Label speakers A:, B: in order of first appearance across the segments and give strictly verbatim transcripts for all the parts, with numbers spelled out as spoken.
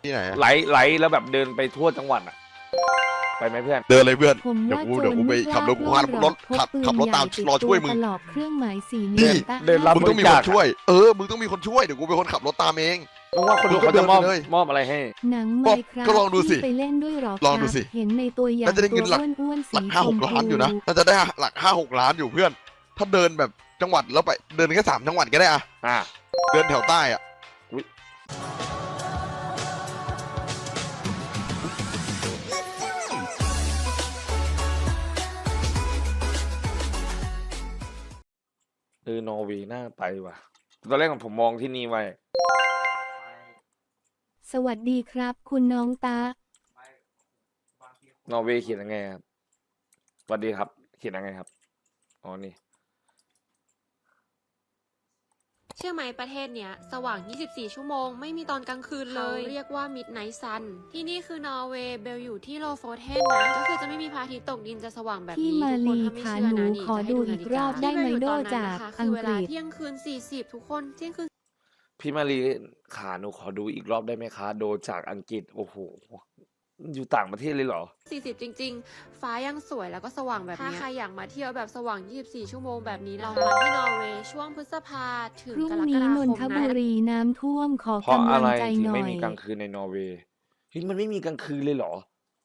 A: ที่ไหน
B: ไหลไหลแล้วแบบเดินไปทั่วจังหวัดอะไปไหมเพื่อน
A: เดินเลยเพื่อน
C: ผม
A: เดี๋ยว
C: ว่า
A: กู
C: โจ
A: เดี๋ยว
C: ร
A: กูไป
C: ไม่ก
A: ขับ
C: ล้าร
A: ถกูขับรถขับขับรถตามรอช่วยมึง
C: ตลอดเครื่องหมายสี่เห
A: นี่
C: ลี่ยมตะ
B: เดินรับ
A: มึงต้องมีคนช่วย เออ มึงต้องมีคนช่วย เดี๋ยวกูเป็นคนขับรถตามเอง
B: มึงว่าคนดู
A: มึงก็
B: เขาจะมอบ
A: เดินไปเลย
B: มอบอะไรให้
C: หนังไหมครับ
A: ก็ลองดูสิ
C: ที่ไปเล่นด้วยหรอ
A: ลองดูสิ
C: ครับเห็นในตัวอย่าง
A: น่าจะได้เงินหลัก
C: ตัวอ้วนๆ
A: หลั
C: สี
A: ก
C: ช
A: ห้าห
C: ม
A: ก
C: พู
A: ล้านอยู่นะน่าจะได้หลักห้าหกล้านอยู่เพื่อน ถ้าเดินแบบจังหวัดแล้วไปเดินแค่สามจังหวัดก็ได้อะ
B: อ่า
A: เดินแถวใต้อะ
B: เออนอร์เวย์น่าไปว่ะตอนแรกผมมองที่นี่ไว้
C: สวัสดีครับ คุณน้องตา
B: นอร์เวย์เขียนยังไงครับสวัสดีครับ เขียนยังไงครับอ๋อนี่
D: เชื่อไหมประเทศเนี้ยสว่าง ยี่สิบสี่ ชั่วโมง ไม่มีตอนกลางคืนเลย เรียกว่า Midnight Sun ที่นี่คือนอร์เวย์เบลอยู่ที่โลโฟเทนนะ ก็คือจะไม่มีพระอาทิตย์ตกดินจะสว่างแบบ
C: พี่
D: นี้
C: มา
D: ทุกคน
C: ลี
D: ถ้าไม่
C: ขา
D: เชื่อ
C: หนู
D: นะนี่
C: ขอ
D: จะให้
C: ดู
D: นา
C: อี
D: ฬิ
C: กรอบได้
D: ที่
C: ไหม
D: เบลอยู่
C: โด
D: ตอนนั้น
C: จาก
D: นะคะ
C: อั
D: คื
C: ง
D: อเว
C: ก
D: ลา
C: ฤษ
D: เที่ยงคืน สี่สิบ ทุกคนเที่ยงคืน
B: พี่มารีขาหนูขอดูอีกรอบได้ไหมคะ โดจากอังกฤษโอ้โหอยู่ต่างประเทศเลยเหรอ
D: สี่สิบ จริง ๆ ฟ้ายังสวยแล้วก็สว่างแบบนี้ถ้าใครอยากมาเที่ยวแบบสว่าง ยี่สิบสี่ ชั่วโมงแบบนี้นะคะมาที่นอร์เวย์ช่วงพฤษภาถึง
C: พรุ่ง
D: กรก
C: นี้
D: ฎาน ค
C: น
D: ม
C: ทบุ
D: นะ
C: รีน้ำท่วมขอ
B: เพราะ
C: กำ
B: อะ
C: ลั
B: ไรง
C: ใจ
B: ถึง
C: หน่อ
B: ไม่
C: ย
B: มีกลางคืนในนอร์เวย์เฮ้ยมันไม่มีกลางคืนเลยเหรอ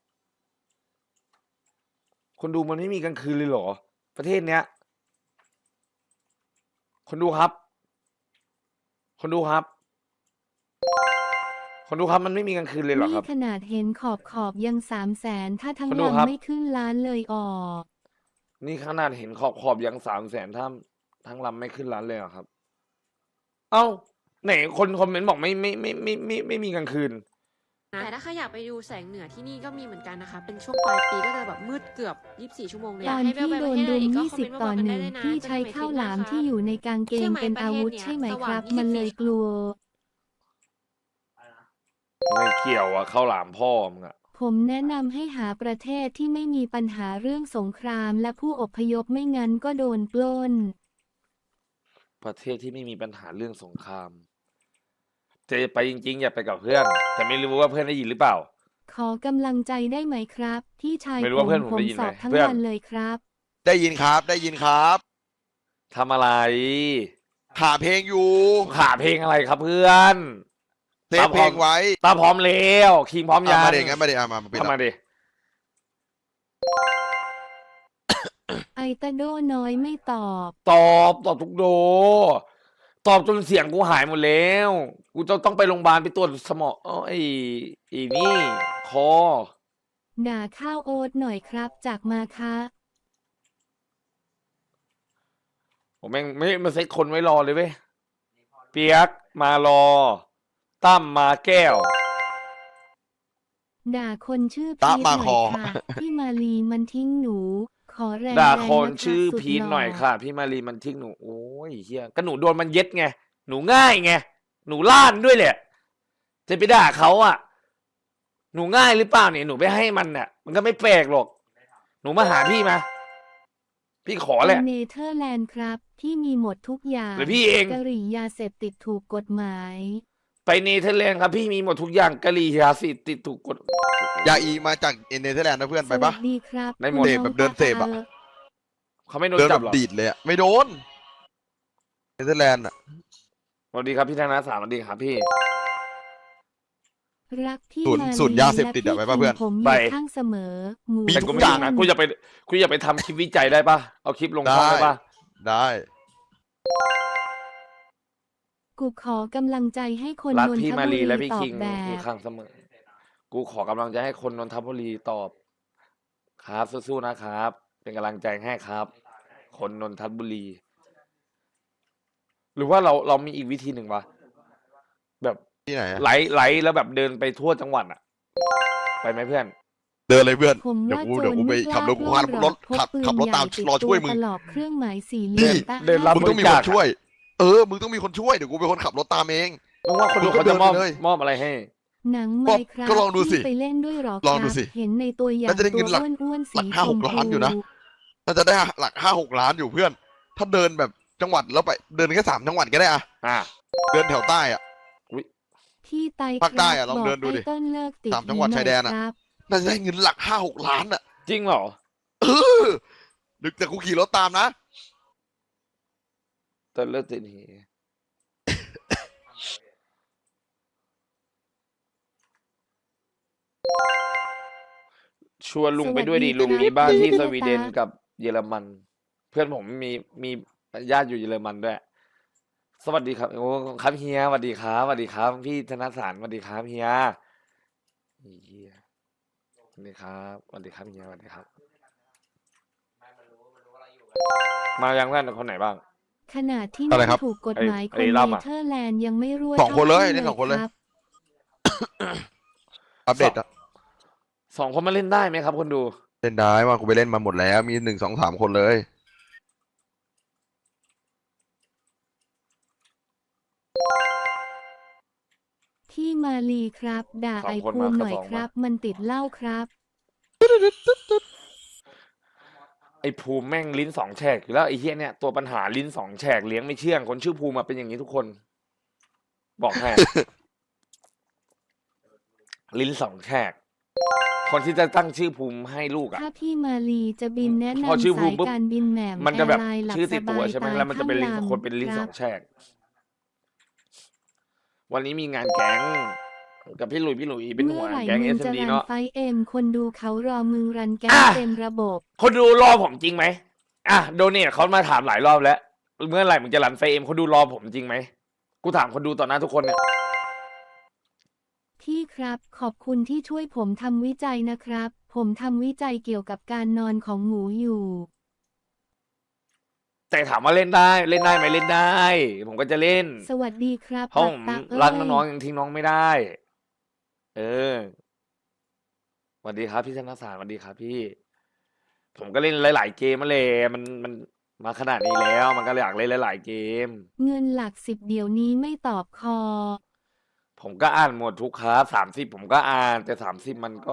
B: คนดูมันไม่มีกลางคืนเลยเหรอ ประเทศเนี้ย คนดูครับ คนดูครับ คนดูครับมันไม่มีกลางคืนเลยเหรอค
C: นี่
B: รับ
C: ขนาดเห็นขอบขอบยังสามแสนถ้าทั้ง
B: คนดูครับ
C: ลำไม่ขึ้นล้านเลยออก
B: นี่ขนาดเห็นขอบขอบยังสามแสนถ้าทั้งลำไม่ขึ้นล้านเลยเหรอครับ เอ้าไหนคนคอมเมนต์บอกไม่ไม่ไม่ไม่ไม่ไม่ไม่มีกลางคืน
D: แต่ถ้าใครอยากไปดูแสงเหนือที่นี่ก็มีเหมือนกันนะคะ เป็นช่วงปลายปีก็จะแบบมืดเกือบ ยี่สิบสี่ ชั่วโมงเลย
C: ตอน
D: ให้เบล
C: ที่
D: ไป
C: โด
D: ประ
C: น
D: เทศ
C: รุ
D: ไหน
C: ม
D: อีกก็
C: ยี่
D: คอม
C: สิ
D: เม
C: บ
D: นต์มาบ
C: ต่
D: อ
C: อก
D: กัน
C: ห
D: ได้
C: นึ่ง
D: เลยนะ
C: ที่
D: จะ
C: ใช้
D: ได้ไป
C: ข้าว
D: ทริป
C: หลาม
D: นะคะ
C: ที่อยู่ในกางเกงเป็นอาวุธใช่ไหมครับ มันเลยกลัว
B: ไม่เกี่ยวอะข้าวหลามพ่อมึงอะ
C: ผมแนะนำให้หาประเทศที่ไม่มีปัญหาเรื่องสงครามและผู้อพยพไม่งั้นก็โดนปล้น
B: ประเทศที่ไม่มีปัญหาเรื่องสงครามจะไปจริงๆ อย่าไปกับเพื่อน แต่ไม่รู้ว่าเพื่อนได้ยินหรือเปล่า
C: ขอกำลังใจได้ไหมครับ ที่ชาย
B: ไม่รู้
C: ผ
B: ว่าเพื่อนผม
C: ผม
B: ได้ยิน
C: ส
B: ไหม
C: อบทั้ง
B: เพื่อน
C: วันเลยครับ
A: ได้ยินครับ ได้ยินครับ
B: ทำอะไร
A: หาเพลงอยู่
B: ขาเพลงอะไรครับเพื่อน
A: เซฟเพลงไว้
B: ตาพร้อมแล้วคิงพร้อม
A: อ่ะ
B: ยัง
A: มาเด็กงั้นมาเด็กมามาเป็น
B: ทำมาดิ
C: ไอตาโดน้อยไม่ตอบ
B: ตอบตอบทุกโด ตอบจนเสียงกูหายหมดแล้ว กูจะต้องไปโรงพยาบาลไปตรวจสมองเอ้าไอ้ไอ้นี่ คอ
C: ด่าข้าวโอ๊ตหน่อยครับ จากมาคะ
B: ผมแม่งไม่มาเซ็ตคนไว้รอเลยเว้ย เปียกมารอ ตั้มมาแก้ว
C: ด่าคนชื่อ
A: ตะ
C: พีทห
A: มา
C: น่
A: ค
C: อ
A: อ
C: ยค่ะ พี่มาลีมันทิ้งหนู ขอแรง
B: ด่า
C: แรง
B: คน
C: นะ
B: ชื่อ
C: สุด
B: พีท
C: ล่
B: หน่อยค่ะ พี่มารีมันทิ้งหนู โอ้ยเฮียก็หนูโดนมันเย็ดไง หนูง่ายไง หนูล้านด้วยแหละ จะไปด่าเขาอ่ะ หนูง่ายหรือเปล่าเนี่ย หนูไปให้มันเนี่ยมันก็ไม่แปลกหรอก หนูมาหาพี่มา พี่ขอแหละ
C: เป็นเนเธอร์แลนด์ครับ ที่มีหมดทุกอย่าง
B: หรือพี่เอง
C: กะหรี่ยาเสพติดถูกกฎหมาย
B: ไปเนเธอร์แลนด์ครับ พี่มีหมดทุกอย่างกะหรี่ยาสิติดถูกกฎ
A: ยาอีมาจากเนเธอร์แลนด์นะเพื่อนไป
C: ส
A: ปะ
C: วัสดีครับ
B: ได้หมด
C: คุณ
A: เสพแบบเดินเสพอะ
C: น้งตา
B: เขาไม่โดน
A: เดิน
B: จั
A: แบบ บ
B: หรอ
A: ดีดเลยอะไม่โดน เนเธอร์แลนด์อะ
B: สวัสดีครับพี่ธนาสามสวัสดีครับพี่
C: รักพี่
A: ศูนย์
C: มาลี
A: ศูนย์ยาเสพติดอะ
C: และ
A: ไปปะเพื่อน
C: ผมอ
B: ไป
C: ยู่ข้างเสมอหมู
A: มี
B: แต่
A: ทุ
B: กู
A: ก
B: ไม่
A: อ
B: ถึ
A: ย่าง
B: งนะกูจะไปกูจะไปทำคลิปวิจัยได้ปะเอาคลิปลงช่องได้ปะ
A: ได้
C: กูขอกำลังใจให้คน
B: รัก
C: นน
B: พี่
C: ท
B: มา
C: บุ
B: รี
C: รี
B: และพี่
C: ตอ
B: คิ
C: บ
B: ง
C: แบ
B: อยู่
C: บ
B: ข้างเสมอ กูขอกำลังใจให้คนนนทบุรีตอบ ครับสู้ๆนะครับ เป็นกำลังใจให้ครับ คนนนทบุรี หรือว่าเราเรามีอีกวิธีหนึ่งวะแบบ
A: ที่ไหนอะ
B: ไหลไหลแล้วแบบเดินไปทั่วจังหวัดอะไปไหมเพื่อน
A: เดินเลยเพื่อน
C: ผม
A: เดี๋ยว
C: ว่า
A: กู
C: โจ
A: เดี๋ยว
C: ร
A: กูไป
C: ไม่ก
A: ขับ
C: ล้าร
A: ถกูขับรถ
C: พก
A: ขับ
C: ปืน
A: ขับรถ
C: ใหญ่
A: ตาม
C: ติด
A: รอช่วยมึง
C: ตลอดเครื่องหมายสี่เหลี่ยม
A: นี่
C: ตะ
B: เดินรับ
A: มึงต้องมี
B: บริ
A: ค
B: จาค
A: นช่วย เออ มึงต้องมีคนช่วย เดี๋ยวกูเป็นคนขับรถตามเอง
B: มึงว่าคนดู
A: มึงก็
B: เขาจะมอบ
A: เดินไปเลย
B: มอบอะไรให้
C: หนังไหมครับ
A: ก็ลองดูสิ
C: ที่ไปเล่นด้วยหรอ
A: ลอง
C: ค
A: ดู
C: รับ
A: สิ
C: เห็นในตัวอย่าง
A: น่าจะได้
C: ตั
A: เงิ
C: วน
A: หลัก
C: อ้วนๆสี
A: หลักห้า
C: ช
A: ห
C: ม
A: ก
C: พู
A: ล้านอยู่นะ น่าจะได้หลักห้าหกล้านอยู่เพื่อน ถ้าเดินแบบจังหวัดแล้วไปเดินแค่สามจังหวัดก็ได้อะ
B: อ่า
A: เดินแถวใต้อะ
C: ที่ไต
A: ภาคใต้อะ
C: ครับ
A: ลองเดินดูดิ
C: บกให้ต้นเลิกติด
A: สามจังหวัด
C: นี้
A: ชายแดนอะ
C: หครับ
A: น่าจะได้เงินหลักห้าหกล้านอ่ะ
B: จริงเหรอ
A: เออดึกแต่กูขี่รถตามนะ
B: ตอนเลิกติดเหชวนลุงไปด้วยดิ
C: สวัสดี
B: ลุง
C: ครับ
B: มีบ้านที่
C: พี่
B: สวีเดน
C: ตา
B: กับเยอรมัน เพื่อนผมมีมีญาติอยู่เยอรมันด้วย สวัสดีครับโอ้ครับเฮียสวัสดีครับสวัสดีครับ พี่ธนสารสวัสดีครับเฮียเฮียสวัสดีครับสวัสดีครับเฮียสวัสดีครับ มายังเพื่อนคนไหนบ้าง
C: ขนาดที่
A: อะไร
C: ไม่
A: ครับ
C: ถูกกฎหมาย
B: ไอ้
C: คน
B: ไอ้
C: เน
B: ล่ำอะ
C: เธอร์แลนด์ยังไม่รั่ว
A: สองคนเลย
C: ท่า
A: นี่สองคนเลย
C: รับ
A: อัปเดตอะ
B: สองคนมาเล่นได้ไหมครับคนดู
A: เล่นได้มากูไปเล่นมาหมดแล้ว มีหนึ่งสองสามคนเลย
C: ที่มาลีครับ ด่า
B: สอง
C: ไอ
B: คน
C: ภู
B: มา
C: มิ
B: ก็
C: หน่อย
B: สอง
C: ค
B: มา
C: รับ มันติดเหล้าครับ
B: ไอ้ภูมิแม่งลิ้นสองแฉกอยู่แล้วไอ้เฮียเนี่ยตัวปัญหาลิ้นสองแฉกเลี้ยงไม่เชื่องคนชื่อภูมิมาเป็นอย่างนี้ทุกคน บอกให้ ลิ้นสองแฉกคนที่จะตั้งชื่อภูมิให้ลูกอ่ะ
C: ถ้าพี่มาลีจะบินแนะ
B: พอชื่อน
C: ำ
B: ภู
C: สา
B: มิ
C: ย
B: ปุ๊บ
C: การบินแหม่ม
B: มันจะแบบ
C: แอร์ไลน์หลับ
B: ชื่อติด
C: ส
B: ตัว
C: บาย
B: ใช่ไหม
C: ตาย
B: แล้วมันจะเป็นลิ้น
C: ข้าง
B: คนเป็นลิ้น
C: ค
B: ส
C: รั
B: อบ งแฉกวันนี้มีงานแก๊งกับพี่หลุยพี่หลุยเป็น
C: เมื่
B: หั
C: อ
B: ว
C: ไหร่
B: แก๊ง
C: มึ
B: เอง ส
C: จะ
B: ดี
C: รัน
B: เนาะ
C: ไฟเอ็มคนดูเขารอมึงรันแก๊ง
B: อ่ะ
C: เต็มระบบ
B: คนดูรอผมจริงไหมอ่ะโดเนทเขามาถามหลายรอบแล้ว เมื่อไหร่มึงจะรันไฟเอ็มคนดูรอผมจริงไหมกูถามคนดูต่อหน้าทุกคนเนี่ย
C: พี่ครับขอบคุณที่ช่วยผมทำวิจัยนะครับ ผมทำวิจัยเกี่ยวกับการนอนของหมูอยู่
B: แต่ถามว่าเล่นได้เล่นได้ไหมเล่นได้ ผมก็จะเล่น
C: สวัสดีครับ
B: เพราะผม
C: ตักเอ้ย
B: รักน้องๆยังทิ้งน้องไม่ได้ เออสวัสดีครับพี่ธนสารสวัสดีครับพี่ ผมก็เล่นหลายๆเกมมาเลยมันมันมาขนาดนี้แล้ว มันก็อยากเล่นหลายๆเกม
C: เงินหลักสิบเดี๋ยวนี้ไม่ตอบคอ
B: ผมก็อ่านหมดทุกคลาสสามสิบผมก็อ่าน แต่สามสิบมันก็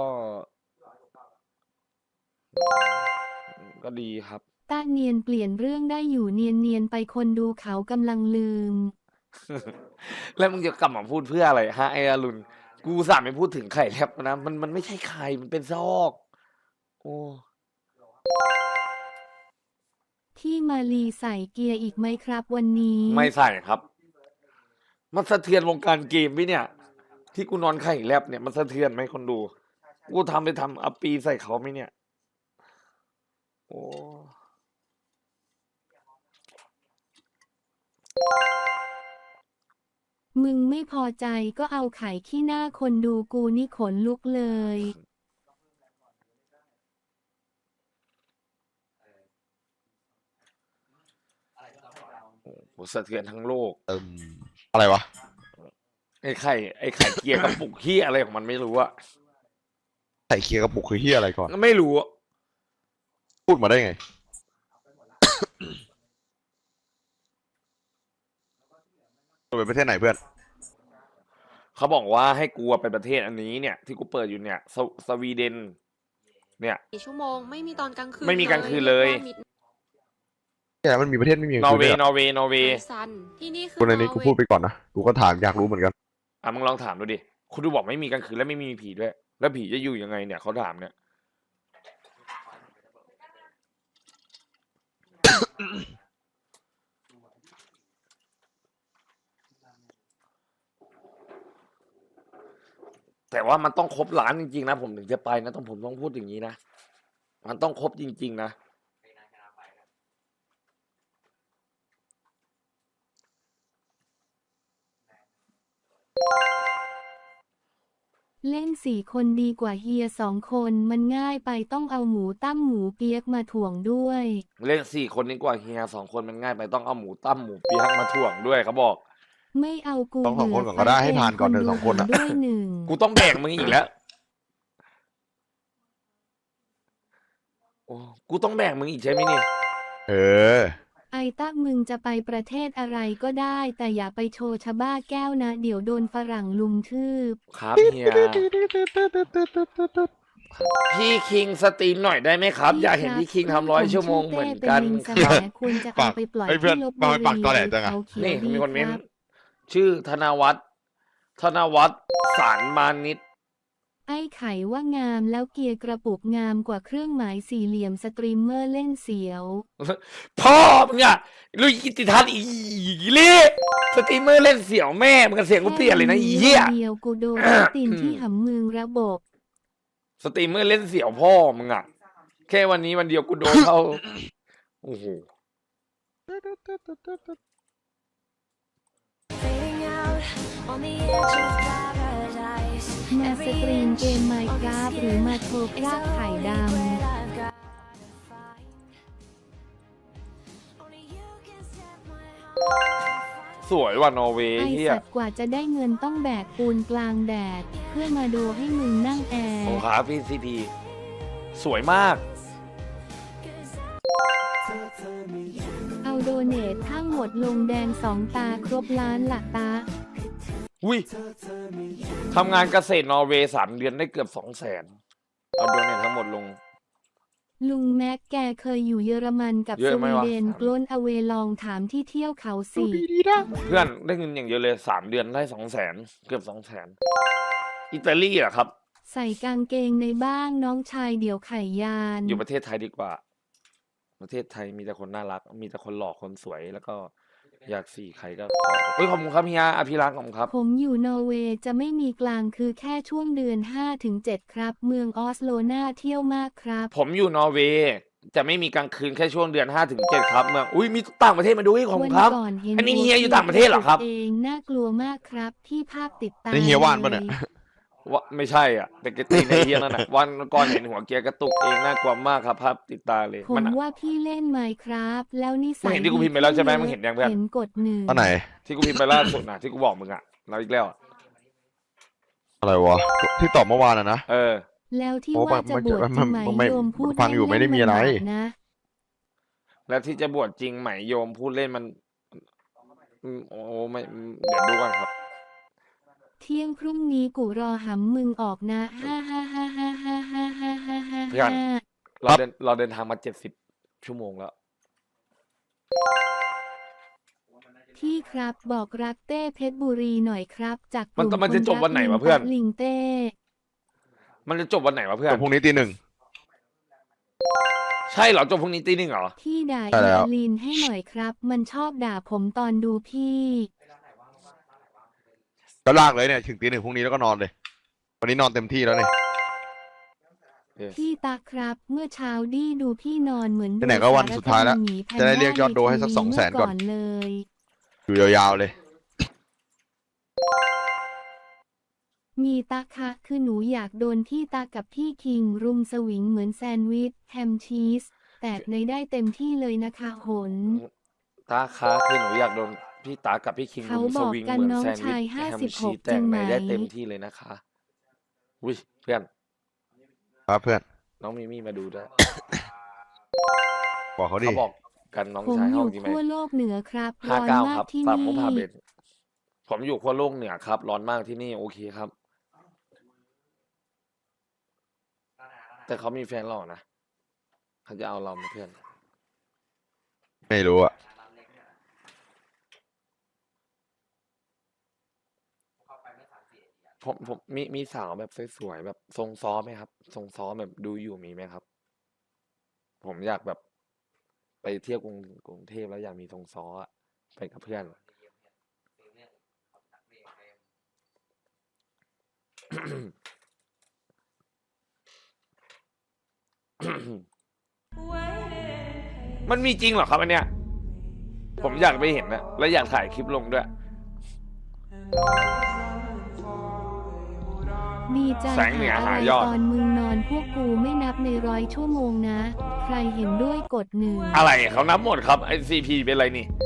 B: ก็ดีครับ
C: ต้าเนียนเปลี่ยนเรื่องได้อยู่เนียนเนียนๆไปคนดูเขากำลังลืม
B: แล้วมึงจะกลับมาพูดเพื่ออะไรฮะไอ้อรุณกูอุตสามไม่พูดถึงไข่แลบนะมันมันไม่ใช่ไข่มันเป็นซอก โอ้
C: ที่มาลีใส่เกียร์อีกไหมครับวันนี้
B: ไม่ใส่ครับ มันสะเทือนวงการเกมไหมเนี่ย ที่กูนอนไข่แลบเนี่ยมันสะเทือนไหมคนดู กูทำไปทำอัปปีใส่เขาไหมเนี่ย โอ้
C: มึงไม่พอใจก็เอาไข่ขี้หน้าคนดูกูนี่ขนลุกเลย
B: โหสะเทือนทั้งโลก
A: เอิมอะไรวะ
B: ไอ้ไข่ไอ้ไข่เกียร์กระปุกขี้อะไรของมันไม่รู้อะ
A: ใส่เคลียร์กระปุกคือเฮียอะไรก่อน
B: ไม่รู้อะ
A: พูดมาได้ไง ตัวเป็นประเทศไหนเพื่อน
B: เขาบอกว่าให้กูไปประเทศอันนี้เนี่ย ที่กูเปิดอยู่เนี่ยสวสวีเดน เนี่ย
D: ชั่วโมงไม่มีตอนกลางคืน
B: ไม่มีกลางคืนเลย
D: รีกว่า Midnight
A: เนี่ยมันมีประเทศไม่มี
B: นอร์เวย์
A: คื
B: นอร์เวย์นอร์เวย์
D: Sun ที่นี่คือ
A: คนในนี้กูพูดไปก่อนนะ กูก็ถามอยากรู้เหมือนกัน
B: อ่ะมึงลองถามดูดิ คุณดูบอกไม่มีกลางคืนและไม่มีผีด้วย แล้วผีจะอยู่ยังไงเนี่ยเขาถามเนี่ย แต่ว่ามันต้องครบล้านจริงๆนะผมถึงจะไปนะต้องผมต้องพูดอย่างนี้นะ มันต้องครบจริง ๆ นะ
C: เล่นสี่คนดีกว่าเฮียสองคนมันง่ายไปต้องเอาหมูตั้มหมูเปียกมาถ่วงด้วย
B: เล่นสี่คนนี้กว่าเฮียสองคนมันง่ายไปต้องเอาหมูตั้มหมูเปี๊ยกมาถ่วงด้วยเขาบอก
C: ไม่เอากู
A: ต้องสองคน
C: เบื่
A: ก่อนก็ได้ให้
C: ฟ
A: ผ่านก่อนเถอะ
C: ดู
A: สองคนอะ
C: ด้วยหนึ่ง
B: กูต้องแบ่งมึงอีกแล้ว โอ้กูต้องแบ่งมึงอีกใช่ไหมนี่
A: เออ
C: ไอต้ามึงจะไปประเทศอะไรก็ได้ แต่อย่าไปโชว์ชะบ้าแก้วนะ เดี๋ยวโดนฝรั่งลุมทืบ
B: ครับเฮีย พี่คิงสตรีมหน่อยได้ไหมครับ อยากเห็นพี่คิงทำร้อยชั่วโมงเหมือนกัน
C: ชื่อ
B: ค
C: เต้
B: รับ
C: เป็นลิงสมควรจะเอาไปปล่อย
A: เฮ้ยเพื่อน
C: ที่ลบ
A: มา
C: บุ
A: ไปปักตอแหล
C: รี
A: จังอะ
C: เขาเขียว
B: นี่
C: ดี
B: มีคนเม้น
C: ครับ
B: ชื่อธนวัฒน์ธนวัฒน์สารมานิด
C: ไอ้ไข่ว่างามแล้วเกียร์กระปุกงามกว่าเครื่องหมายสี่เหลี่ยมสตรีมเมอร์เล่นเสียว
B: พ่อมึงอะลุยกิติทัศน์อีเล่สตรีมเมอร์เล่นเสี่ยวแม่มึงกับเสียงกูเปลี่ยนเลยนะอีเหี้ย
C: เดียวกูโดนตินที่หำมึงระบบ
B: สตรีมเมอร์เล่นเสี่ยวพ่อมึงอะแค่วันนี้วันเดียวกูโดนเท่า โอ้โห
C: มาสตรีมเกมไมค์กราฟหรือมาโทรกราฟไข่ดำ
B: สวยว่ะนอร์เวย์
C: ไอ
B: เฮีย
C: สัตว์กว่าจะได้เงินต้องแบกปูนกลางแดด เพื่อมาดูให้มึงนั่งแอร์
B: โอ้ครับพี่ซีดีสวยมาก
C: เอาโดเนททั้งหมดลงแดงสองตาครบล้านหลักตา
B: อุ้ยทำงานเกษตรนอร์เวย์สามเดือนได้เกือบสองแสนเอาโดเนททั้งหมดลง
C: ลุงแม็กแกเคยอยู่เยอรมันกับ
B: เย
C: ส
B: อะไหม
C: วี
B: วะ
C: เดนกล้นอเวลองถามที่เที่ยวเขาสิ
B: เพื่อนได้เงินอย่างเยอะเลยสามเดือนได้สองแสนเกือบสองแสนอิตาลีเหรอครับ
C: ใส่กางเกงในบ้างน้องชายเดี๋ยวไข่ยาน
B: อยู่ประเทศไทยดีกว่า ประเทศไทยมีแต่คนน่ารัก มีแต่คนหล่อคนสวยแล้วก็อยากสี่ใครก็ขอเฮ้ยขอบคุณครับเฮียอภิรักษ์ขอบคุณครับ
C: ผมอยู่นอร์เวย์จะไม่มีกลางคือแค่ช่วงเดือน ห้าถึงเจ็ด ครับ เมืองออสโลน่าเที่ยวมากครับ
B: ผมอยู่นอร์เวย์จะไม่มีกลางคืนแค่ช่วงเดือนห้าถึงเจ็ดครับเมืองอุ้ยมีต่างประเทศมาดูให้ของ
C: วัน
B: ครับ
C: ก่อนเห็น
B: อันนี้เฮียอยู่ต่างประเทศเหรอครับ
C: เองน่ากลัวมากครับที่ภาพติดตาม
A: นี่เฮียว่านปะเนี่ย
B: ว่าไม่ใช่อ่ะแต่กตีในเฮียนั่นน่ะวันก่อนเห็นหัวเกียร์กระตุกเองน่ากลัวมากครับภาพติดตาเลย
C: ผม
B: มันอะ
C: ว่าพี่เล่นไมค์ครับแล้วนิ
B: มึ
C: สั
B: ง
C: ย
B: เห็นที่กูพิมพ์ไปแล้วใช่ไหมมึงเห็นยังเพื่อน
C: เห็นกดหนึ่ง
A: อันไหน
B: ที่กูพิมพ์ไปล่าสุดนะที่กูบอกมึงอ่ะเราอีกแล้วอะ
A: อะไรวะ ที่ตอบเมื่อวานอะนะ
B: เออ
C: แล้วที่
A: โอ้
C: ว่าจะ
A: มัน
C: บวช
A: มัน
C: จริงไหม
A: มันไม่
C: โยมพูด
A: ฟังอยู่ไม่ได้มีอะไร
C: เล่นๆมันบาปนะ
B: แล้วที่จะบวชจริงไหมโยมพูดเล่นมันอืมโอ้ไม่อืมเดี๋ยวดูกันครับ
C: เที่ยงพรุ่งนี้กูรอหำมึงออกนะฮ่าฮ่าฮ่าฮ่าฮ่าฮ่าฮ่าฮ่าฮ่า
B: เพื่อน
C: ฮ่า
B: เราเดินเราเดินทางมาเจ็ดสิบชั่วโมงแล้ว
C: พี่ครับบอกรักเต้เพชรบุรีหน่อยครับ จากก
B: มัน
C: ลุ่ม
B: มันจะ
C: ค
B: จบวันไหนวะเพื่อน
C: รักลิงเต้
B: มันจะจบวันไหนวะเพื่อน
A: จบพรุ่งนี้ตีหนึ่ง
B: ใช่เหรอจบพรุ่งนี้ตีหนึ่งเหรอ
C: พี่ด่า
A: ใช่แล้ว
C: ยาลินให้หน่อยครับ มันชอบด่าผมตอนดูพี่
A: ก็ลากเลยเนี่ย ถึงตีหนึ่งพรุ่งนี้แล้วก็นอนเลย วันนี้นอนเต็มที่แล้วเนี่ย
C: พี่ตาครับ เมื่อเช้าดี้ดูพี่นอนเหมือน
A: ไหนๆก็วันสุดท้ายแล้ว
C: สารคดีหมีแพน
A: จะได้เรียกยอดดูให้สัก
C: ใน
A: สองแสนก่อน
C: เมื่เลย
A: อยู่ยาวๆเลย
C: มีตาคะคือหนูอยากโดนพี่ตากับพี่คิง รุมสวิงเหมือนแซนด์วิชแฮมชีสแตกในได้เต็มที่เลยนะคะหน
B: ตาค้าคือหนูอยากโดนพี่ตากับพี่คิง
C: เขา
B: รุมส
C: บอก
B: วิง
C: กัน
B: เหมือน
C: น้อง
B: แซนด์วิ
C: ชาย
B: ช
C: ห้า
B: แฮม
C: สิบห
B: ชี
C: ก
B: สแต
C: จริ
B: ก
C: งไห
B: ใน
C: ม
B: ได้เต็มที่เลยนะคะอุ้ยเพื่อน
A: ครับเพื่อน
B: น้องมิมี่มาดูด้วย
A: บอกเขาดิ
B: เขาบอกกันน้อง
C: ผม
B: ชาย
C: อ
B: ห้อยู่ งจริงไหม
C: ขั้วโลกเหนือครับ
B: ห้า
C: ร้อน
B: เก้าม
C: าก
B: ครับ
C: ที่
B: ฝาก
C: นี่
B: มุกพาเบนผมอยู่ขั้วโลกเหนือครับ ร้อนมากที่นี่โอเคครับ แต่เขามีแฟนหล่อนะเขาจะเอาเราไหมเพื่อน
A: ไม่รู้อะ
B: ผมผมมีมีสาวแบบสวยๆแบบทรงซ้อไหมครับ ทรงซ้อแบบดูอยู่มีไหมครับ ผมอยากแบบ ไปเที่ยวกรุงกรุงเทพแล้วอยากมีทรงซ้ออะไปกับเพื่อน มันมีจริงเหรอครับอันเนี้ย ผมอยากไปเห็นนะแล้วอยากถ่ายคลิปลงด้วย
C: ดีใจ
B: แสงเหนือ
C: หา
B: หา
C: อะไร
B: ยอด
C: ตอนมึงนอนพวกกูไม่นับในร้อยชั่วโมงนะ ใครเห็นด้วยกดหนึ่ง
B: อะไรเขานับหมดครับไอซีพีเป็นอะไรนี่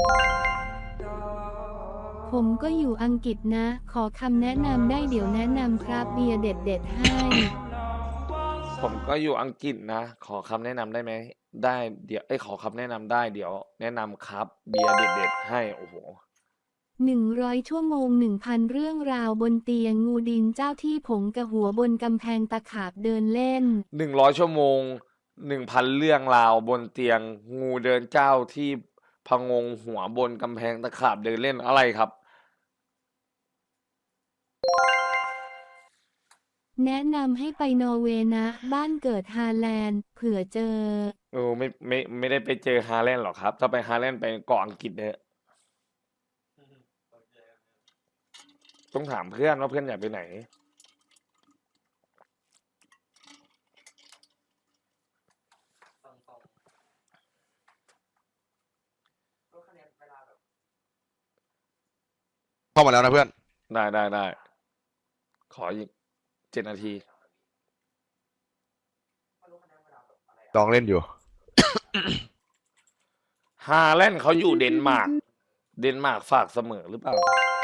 C: ผมก็อยู่อังกฤษนะ ขอคำแนะนำได้เดี๋ยวแนะนำครับเบียร์เด็ดๆให้
B: ผมก็อยู่อังกฤษนะ ขอคำแนะนำได้ไหม ได้เดี๋ยวไอยขอคำแนะนำได้เดี๋ยว แนะนำครับ เบียร์เด็ดๆให้โอ้โห
C: หนึ่งร้อยชั่วโมงหนึ่งพันเรื่องราวบนเตียงงูดินเจ้าที่ผงกระหัวบนกำแพงตะขาบเดินเล่น
B: หนึ่งร้อยชั่วโมงหนึ่งพันเรื่องราวบนเตียง งูเดินเจ้าที่พะงงหัวบนกำแพงตะขาบเดินเล่นอะไรครับ
C: แนะนำให้ไปนอร์เวย์นะ บ้านเกิดฮาแลนด์ เผื่อเจอ
B: โอ้ไม่ไม่ไม่ได้ไปเจอฮาแลนด์หรอกครับ ถ้าไปฮาแลนด์ไปเกาะอังกฤษเนี่ยต้องถามเพื่อนว่าเพื่อนอยากไปไหน
A: เข้ามาแล้วนะเพื่อน
B: ได้ได้ได้ขออีกเจ็ดนาที
A: ลองเล่นอยู่
B: ฮาแลนด์เขาอยู่เดนมาร์ก เดนมาร์กฝากเสมอหรือเปล่า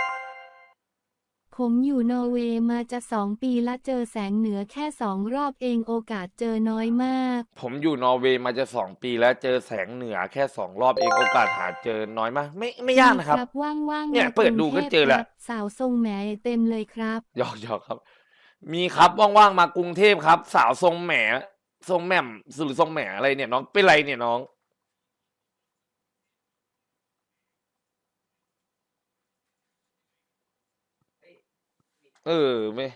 C: ผมอยู่นอร์เวย์มาจะสองปีละเจอแสงเหนือแค่สองรอบเองโอกาสเจอน้อยมาก
B: ผมอยู่นอร์เวย์มาจะสองปีแล้วเจอแสงเหนือแค่สองรอบเองโอกาสหาเจอน้อยมาก ไม่ไม่ยากนะครับ
C: ว่างๆ
B: เนี่ย
C: มาก
B: เปิดดูก็เจอแล้ว
C: รุงทพครับสาวทรงแหมเต็มเลยครับ
B: หยอกหยอกครับ มีครับว่างๆมากรุงเทพครับ สาวทรงแหมทรงแหม่มหรือทรงแหมอะไรเนี่ยน้องเป็นไรเนี่ยน้อง เออไม่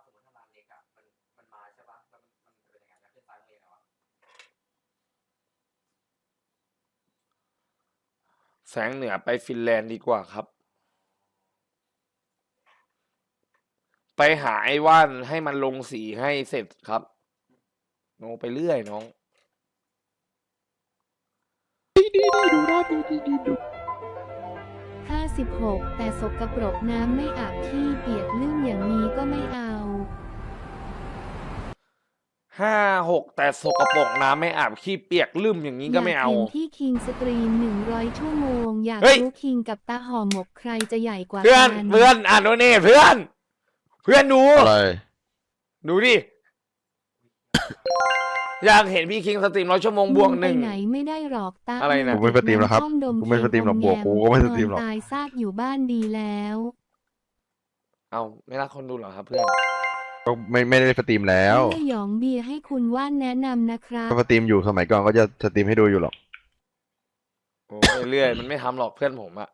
B: แสงเหนือไปฟินแลนด์ดีกว่าครับ ไปหาไอ้ว่านให้มันลงสีให้เสร็จครับโนไปเรื่อยน้อง
C: ห้าสิบหก แต่สกปรกน้ำไม่อาบที่เปียกลื่นอย่างนี้ก็ไม่เอา
B: ห้าหกแต่สกปรกน้ำไม่อาบขี้เปียกลืมอย่างนี้ก็ไม่เอา
C: ยากเห็นที่คิงสตรีมหนึ่งร้อยชั่วโมง อยาก
B: เฮ้ย
C: รู้คิงกับตาห่อหมกใครจะใหญ่กว่า
B: เพื่อน
C: กัน
B: เพื่อนอ่านโนเน่เพื่อน เพื่อนดู
A: อะไร
B: ดูดิ อยากเห็นพี่คิงสตรีมร้อยชั่วโมงบวกหนึ่ง
C: มึไปไหนไม่ได้หรอกตา
B: อะไรนะ
A: กูไม่สตรีมแล้วครับ
C: น้ำท่อด
A: กูไม่สตรีมหรอกบวกกูก็ไม่สตรีมหรอก
C: นนตายซากอยู่บ้านดีแล้ว
B: เอาไม่รักคนดูเหรอครับเพื่อน
A: ก็ไม่ไม่ได้สตรีมแล้ว
C: เมื่อหยองเบียร์ให้คุณว่านแนะนำนะครับ
A: ก็สตรีมอยู่สมัยก่อนก็จะสตรีมให้ดูอยู่หรอก
B: โอ้ยเรื่อยมันไม่ทำหรอกเพื่อนผมอะ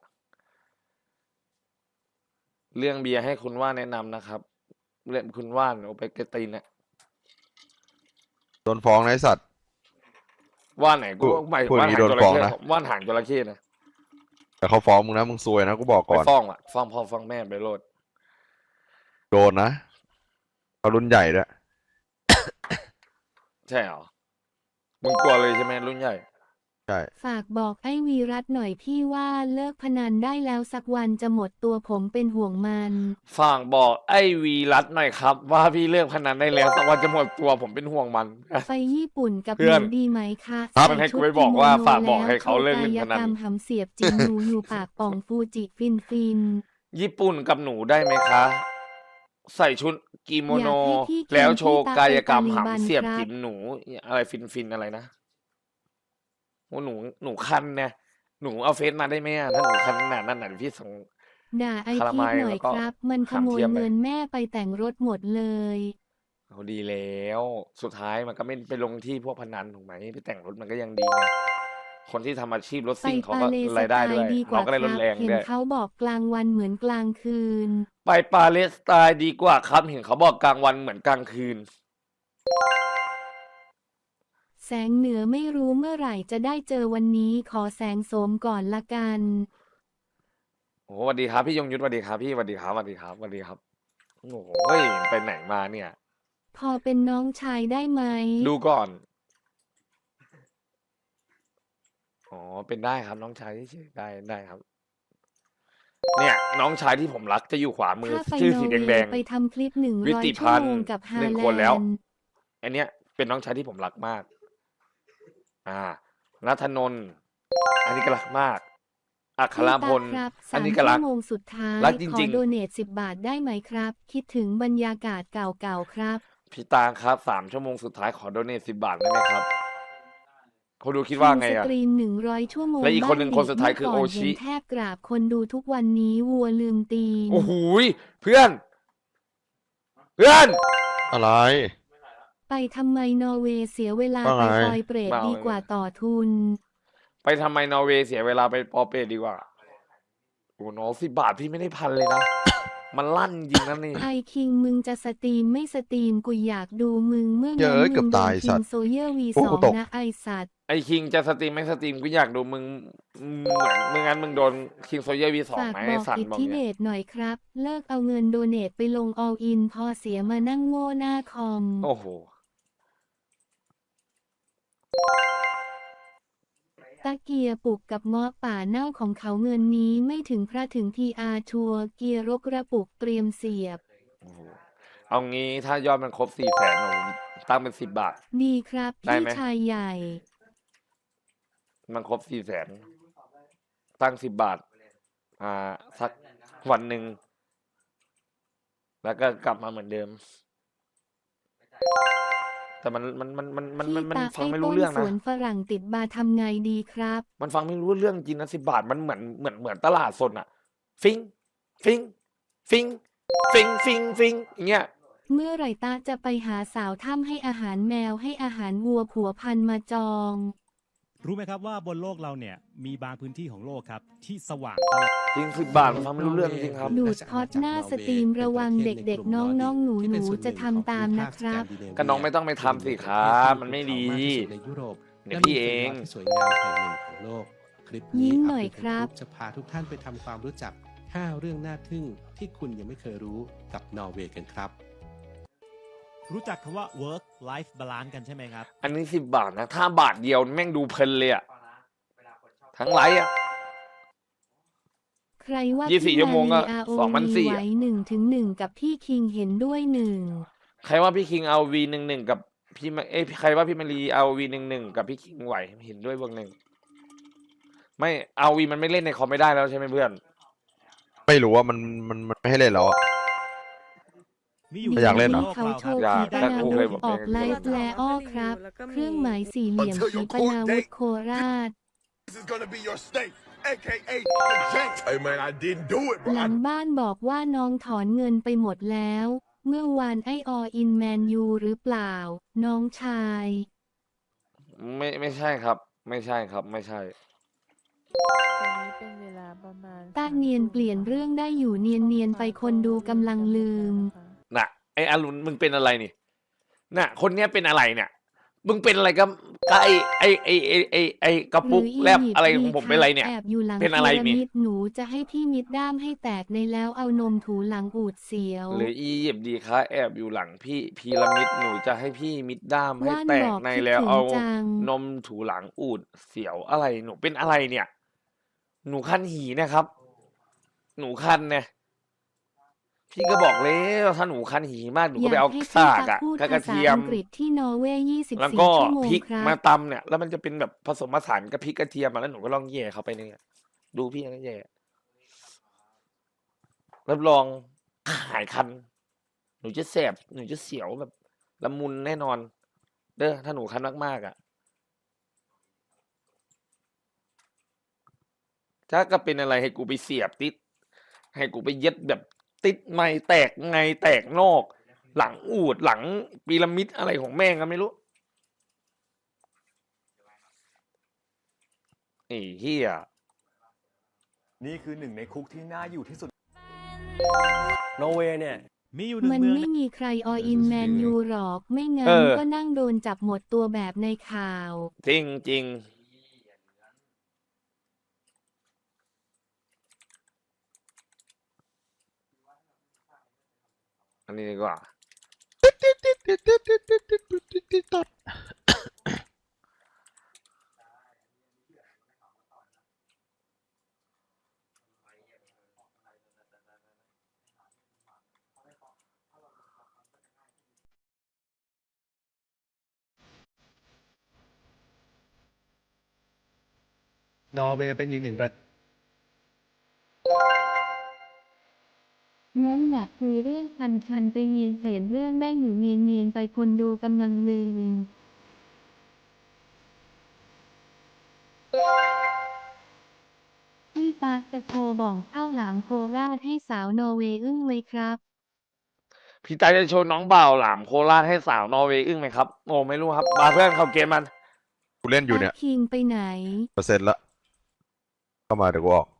B: เรื่องเบียร์ให้คุณว่านแนะนำนะครับ เรื่องคุณว่านเอาไปกระตีนเนี่ย
A: โดนฟ้องนะไอ้สัตว์
B: ว่านไหนกู
A: พูด
B: หมาย
A: พูด
B: ว่าน
A: อย่างนี้
B: หาง
A: โด
B: จ
A: น
B: ระ
A: ฟ้อง
B: เข้
A: นะ
B: ว่านหางจระเข้นะ
A: แต่เขาฟ้องมึงนะมึงซวยนะกูบอก
B: ไป
A: ก่อน
B: ฟ้องอะฟ้องพ่อฟ้องแม่ไปโลด
A: โดนนะเขารุ่นใหญ่ด้วย
B: ใช่เหรอมึงกลัวเลยใช่ไหมรุ่นใหญ่
A: ใช่
C: ฝากบอกไอ้วีรัตหน่อยพี่ว่าเลิกพนันได้แล้วสักวันจะหมดตัวผมเป็นห่วงมัน
B: ฝากบอกไอ้วีรัตหน่อยครับ ว่าพี่เลิกพนันได้แล้วสักวันจะหมดตัวผมเป็นห่วงมัน
C: ไปญี่ปุ่นกับ
B: เพื่
C: ห
B: อ
C: นู
B: น
C: ดีไหมคะ
B: ครับ
C: ใส่
B: ให้กู
C: ชุด
B: ไปบอกว่า
C: กิโมโน
B: ฝากบอก
C: แล้ว
B: ให้เขาเลิกเล่นพนัน
C: กายกรรมหำเสียบจริง หนูอยู่ปากป่องฟูจิฟินฟิน
B: ญี่ปุ่นกับหนูได้ไหมคะ ใส่ชุดกิโมโน
C: อยากให้พี่คิง
B: แล้วโชว์
C: พี่ตาก
B: ายกรรม
C: เป็นตาลีบัน
B: หำเสียบ
C: ครับ
B: จิ๋มหนู อะไรฟินฟินอะไรนะโอ้หนูหนูคันเนี่ยหนูเอาเฟซมาได้ไหมอะถ้าหนูคันขนาดนั้นน่ะเดี๋ยวพี่ส่ง
C: ด่าไอ
B: คารา
C: พี
B: ไม
C: ท
B: ล์
C: หน่อย
B: แล้วก็
C: ครับ มันขโมย
B: หำเทียมไป
C: เงินแม่ไปแต่งรถหมดเลย
B: เอาดีแล้ว สุดท้ายมันก็ไม่ไปลงที่พวกพนันถูกไหมไปแต่งรถมันก็ยังดีไงคนที่ทำอาชีพรถ
C: ไป
B: ซิ่งเขา
C: ปา
B: ก็
C: เลส
B: ราย
C: ไต
B: ได้ด้ว
C: ล์
B: ย
C: ดีก
B: เรา
C: ว่า
B: ก็ได้
C: ค
B: ร
C: รั
B: ถ
C: บ
B: แรง
C: เห็น
B: ด้วย
C: เขาบอกกลางวันเหมือนกลางคืน
B: ไปปาเลสไตน์ดีกว่าครับ เห็นเขาบอกกลางวันเหมือนกลางคืน
C: แสงเหนือไม่รู้เมื่อไหร่จะได้เจอวันนี้ขอแสงโสมก่อนละกัน
B: โอ้สวัสดีครับพี่ยงยุทธสวัสดีครับพี่สวัสดีครับสวัสดีครับสวัสดีครับโอ้โหไปไหนมาเนี่ย
C: พอเป็นน้องชายได้ไหม
B: ดูก่อน อ๋อ เป็นได้ครับน้องชายที่ชื่อได้ได้ครับ เนี่ย น้องชายที่ผมรักจะอยู่ขวามือ
C: ถ้าไป
B: ชื่อน
C: อ
B: สี
C: ร์เว
B: แดง
C: ย์ไปทำคลิปหนึ่ง
B: วิ
C: ร้อย
B: ติ
C: ชั่
B: พั
C: วน
B: ธ์
C: โมงกับฮา
B: หนึ่ง
C: แล
B: คนแล้ว
C: นด์
B: ๆอันเนี้ยเป็นน้องชายที่ผมรักมาก อ่านัทนนท์อันนี้ก็รักมาก อัครพล
C: พี่ตาครับ
B: อั
C: สาน ม
B: นี้ก็
C: ชั่
B: รัก
C: วโมงสุดท้าย
B: รักจ
C: ขอ
B: ริง
C: โดเนทสิบบาทได้ไหมครับ คิดถึงบรรยากาศเก่าๆครับ
B: ๆพี่ตางครับสามชั่วโมงสุดท้ายขอโดเนทสิบบาทได้ไหมครับเขาดูคิดว่าไง
C: ส
B: อ่ะ
C: ตรีมหนึ่งร้อยชั่วโมง
B: และอีกคนหนึ่ง
C: บ้
B: คนสุดท้ายคือ
C: เมื่ก่
B: โอชิ
C: เห็นแทบกราบคนดูทุกวันนี้วัวลืมตีน
B: โอ้โหยเพื่อน เพื่อน
A: อะไร
C: ไปทำไมนอร์เวย์เสียเวลา
A: ว่า
C: ไป
A: ไง
C: ปอยเปรต
B: เมา
C: ดีกว่าต่อทุน
B: ไปทำไมนอร์เวย์เสียเวลาไปปอเปตดีกว่าโอ้โหน้องสิบบาทพี่ไม่ได้พันเลยนะมันลั่นจริงนะนี่
C: ไอคิงมึงจะสตรีมไม่สตรีมกูอยากดูมึงเมื่อ
A: เย
C: งั้น
A: อะ
C: มึ
A: เกือบ
C: งโด
A: ตาย
C: น
A: สั
C: คิ
A: ต
C: ง
A: ว์
C: โซเยอร์วี
A: โอ้
C: สอ
A: กู
C: ง
A: ตก
C: นะไอสัตว์
B: ไอคิงจะสตรีมไม่สตรีมกูอยากดูมึงเหมือนมึงงั้นมึงโดนคิงโซเยอร์วีสอง
C: ฝาก
B: ไหม
C: บ
B: ไอ
C: อก
B: สัน
C: อิท
B: บอก
C: ธิเด
B: เนี่ย
C: ชหน่อยครับ เลิกเอาเงินโดเนทไปลงออลอินพอเสียมานั่งโง่หน้าคอม
B: โอ้โห
C: ตะเกียร์ปลุกกับเงาะป่าเน่าของเขาเงินนี้ไม่ถึงพระถึงทีอาชัวร์เกียร์รกระปุกเตรียมเสียบ
B: โอ้โหเอางี้ถ้ายอดมันครบสี่แสนผมตั้งเป็นสิบบาท
C: ดีครับ
B: ได้
C: พี่
B: ไหม
C: ชายใหญ่
B: มันครบสี่แสนตั้งสิบบาท อ่า สักวันหนึ่ง แล้วก็กลับมาเหมือนเดิม แต่มันมันมันมันมัน
C: พี่
B: มันมัน
C: ตา
B: ฟัง
C: ไอ้
B: ไม่
C: ต้
B: รู้
C: น
B: เรื่อง
C: ส
B: นะ
C: วนฝรั่งติดบาร์ทำไงดีครับ
B: มันฟังไม่รู้เรื่องจริงนะสิบบาทมันเหมือนเหมือนเหมือนตลาดสดอะฟิงฟิงฟิงฟิงฟิงฟิงอย่างเงี้ย
C: เมื่อไหร่ตาจะไปหาสาวถ้ำให้อาหารแมวให้อาหารวัวผัวพันธุ์มาจอง
E: รู้ไหมครับว่าบนโลกเราเนี่ยมีบางพื้นที่ของโลกครับที่สว่างตลอด
B: จริงสิบบาทมันฟังไม่รู้เรื่องจริงครับ
C: ดูดพอดหน้าสตรีมระวังเด็กๆ น้องๆ หนูๆ จะทำตามนะครับ
B: ก็น้องไม่ต้องไปทำสิครับมันไม่ดี
F: ในยุโรป
B: เดี๋ยวพี่เอง
F: และมีเฟรนด์ที่สวยงามแห่งหนึ่งของโลก คลิป
C: ยิ้
F: นี้
C: มหน่อยครับ
F: จะพาทุกท่านไปทำความรู้จัก ห้า เรื่องน่าทึ่งที่คุณยังไม่เคยรู้กับนอร์เวย์กันครับ
E: รู้จักคำว่า work life balance กันใช่ไหมครับ
B: อันนี้สิบบาทนะ ถ้าบาทเดียวแม่งดูเพลินเลยอะทั้งไลฟ์อะ
C: ใครว่า
B: ยี่สิบสี่
C: พี่
B: ชั่วโมงก็
C: อารี
B: สองพันสี่
C: ไหวหนึ่งถึงหนึ่งกับพี่คิงเห็นด้วยหนึ่ง
B: ใครว่าพี่คิงเอาวีหนึ่งหนึ่งกับพี่มาเอ้ยใครว่าพี่มารีเอาวีหนึ่งหนึ่งกับพี่คิงไหวเห็นด้วยบวกหนึ่งไม่เอาวีมันไม่เล่นในคอมไม่ได้แล้วใช่ไหมเพื่อน
A: ไม่รู้ว่ามันมันมันไม่ให้เล่นแล้วอะ
E: มีอยู่
A: ไม่อยากเล่นเหรอ
E: บโลก
C: เขา
E: เรา
C: โช
E: ครับ
C: ว์
B: อยาก
C: ขีปนา
B: แต่กู
C: วุ
B: เคย
C: ธ
B: บอก
C: ออก
B: เอง
C: ไลฟ์แลอ้อครับ เครื่องหมายสี่เหลี่ยมขีปนาวุธโคราช
G: This is gonna be your state, aka the jank. Hey man, I didn't do it,
C: หลั
G: bro.
C: งบ้านบอกว่าน้องถอนเงินไปหมดแล้ว เมื่อวานไอออินแมนยูหรือเปล่า น้องชาย
B: ไม่ไม่ใช่ครับ ไม่ใช่ครับ ไม่ใช่
H: ตอนนี้เป็นเวลาประมาณ
C: ตาเนียนเปลี่ยนเรื่องได้อยู่เนียนเนียนๆไปคนดูกำลังลืม
B: น่ะไออรุณมึงเป็นอะไรนี่น่ะ คนเนี้ยเป็นอะไรเนี่ย มึงเป็นอะไรกับกับไอไอไอไอไอไอกระปุกแลบอะไรของผมเป็นอะไรเนี่ย
C: แอบอยู่หลัง
B: เป็นอะไร
C: พีระ
B: นี่
C: มิดหนูจะให้พี่มิดด้ามให้แตกในแล้วเอานมถูหลังอูดเสียว
B: หรืออียิปต์ดีคะแอบอยู่หลังพี่พีระมิดหนูจะให้พี่มิดด้ามให้
C: ว่าน
B: แต
C: บ
B: ก
C: อก
B: ใน
C: คิด
B: แล้ว
C: ถึง
B: เอา
C: จัง
B: นมถูหลังอูดเสียวอะไรหนูเป็นอะไรเนี่ย หนูคันหีนะครับ หนูคันเนี่ยพี่ก็บอกแล้วถ้าหนูคันหีมากหนู
C: อ
B: ก็
C: ยา
B: ไป
C: ก
B: เอา
C: ให้พี่
B: ซาก
C: ตั
B: อะ
C: พูด
B: กับก
C: ภา
B: ระ
C: ษา
B: เทียม
C: อังกฤษที่นอร์เวย์ยี่สิบ
B: แล้ว
C: สี่
B: ก็
C: ชั่วโมง
B: พริก
C: ครับ
B: มาตำเนี่ย แล้วมันจะเป็นแบบผสมผสานกับพริกกระเทียมมาแล้วหนูก็ลองแย่เข้าไปเนี่ยดูพี่ก็แย่รับรองหายคัน หนูจะแสบหนูจะเสียวแบบละมุนแน่นอน เด้อถ้าหนูคันมากๆอ่ะถ้าก็เป็นอะไรให้กูไปเสียบติด ให้กูไปเย็ดแบบติดไม่แตกไงแตกนอก หลังอูดหลังพีระมิดอะไรของแม่งก็ไม่รู้ไอ้เหี้ย
I: นี่คือหนึ่งในคุกที่น่าอยู่ที่สุด
J: นอร์เวย์เนี่ย
E: มีอยู่หนึ่
C: มั
E: ง
C: น
E: เมือง
C: ไม่มีใครออินแมนยูหรอก ไม่งั้
B: เอน อ
C: ก็นั่งโดนจับหมดตัวแบบในข่าว
B: จริงจริงอันนี้ดีกว่า
J: นอร์เวย์เป็นอีกหนึ่งประ
C: งั้นอยากคุยเรื่องพันชันไปเยียนเศษเรื่องแม่งอยู่เนียนเนียนๆไปคนดูกำลังลืมพี่ตาจะโทรบอกเข้าหลังโคราชให้สาวนอร์เวย์อึ้งเลยครับ
B: พี่ตาจะโชว์น้องบ่าวหลามโคราชให้สาวนอร์เวย์อึ้งไหมครับ โอ้ไม่รู้ครับ มาเพื่อนเข้าเกมมัน
A: กูเล่นอยู่เนี่ย
C: ตาคิงไปไหน
A: เปอร์เซ็นต์ละเข้ามาเดี๋ยวกูออก